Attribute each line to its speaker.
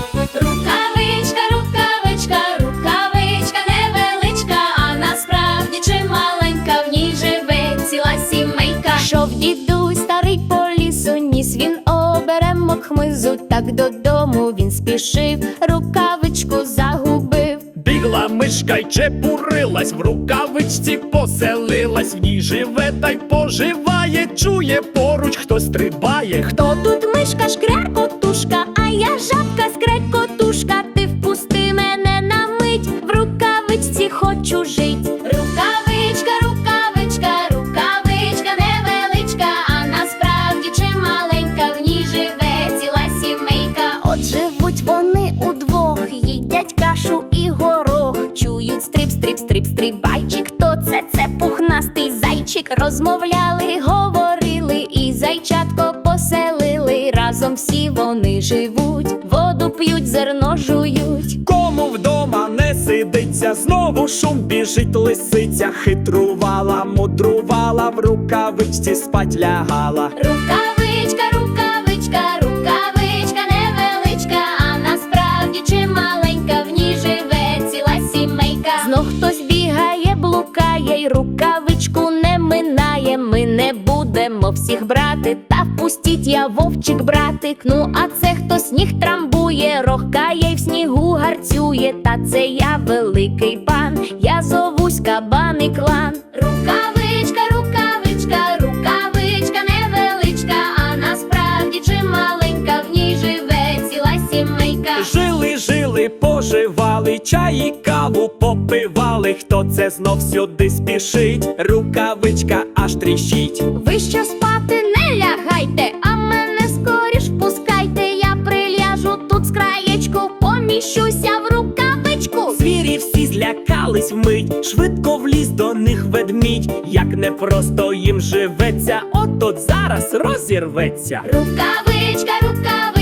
Speaker 1: Рукавичка, рукавичка, рукавичка невеличка, а насправді чималенька, в ній живе ціла сімейка. Шов дідусь старий по лісу, ніс він оберемок хмизу, так додому він спішив, рукавичку загубив.
Speaker 2: Бігла мишка й чепурилась, в рукавичці поселилась, в ній живе та й поживає, чує поруч хтось стрибає.
Speaker 1: Хто тут мишка, шкрякотушка, а я жабка, скрекотушка, ти впусти мене на мить, в рукавичці хочу жить. Рукавичка, рукавичка, рукавичка невеличка, а насправді чималенька, в ній живе ціла сімейка. От живуть вони удвох, їдять кашу і горох, чують стриб, стриб, стриб, стрибайчик. Хто це? Це пухнастий зайчик. Розмовляли, говорили і зайчатко поселили. Разом всі вони живуть, воду п'ють, зерно жують.
Speaker 2: Кому вдома не сидиться, знову шум біжить лисиця. Хитрувала, мудрувала, в рукавичці спать лягала.
Speaker 1: Рукавичка, рукавичка, рукавичка невеличка, а насправді чималенька, в ній живе ціла сімейка. Знов хтось бігає, блукає, й рукавичку не минає. Ми не будемо всіх брати, та впустіть, я вовчик братик. Ну а це хто сніг трамбує, рохкає й в снігу гарцює. Та це я великий пан, я зовусь Кабан і Клан. Рукавичка, рукавичка, рукавичка невеличка, а насправді чималенька, в ній живе ціла сімейка.
Speaker 2: Жили, жили, поживали, чай і каву попивали. Хто це знов сюди спішить, рукавичка аж тріщить.
Speaker 1: Ви що спати не лягайте, а мене скоріш впускайте. Я приляжу тут з краєчку, поміщуся в рукавичку.
Speaker 2: Звірі всі злякались вмить, швидко вліз до них ведмідь. Як непросто їм живеться, от зараз розірветься.
Speaker 1: Рукавичка, рукавичка,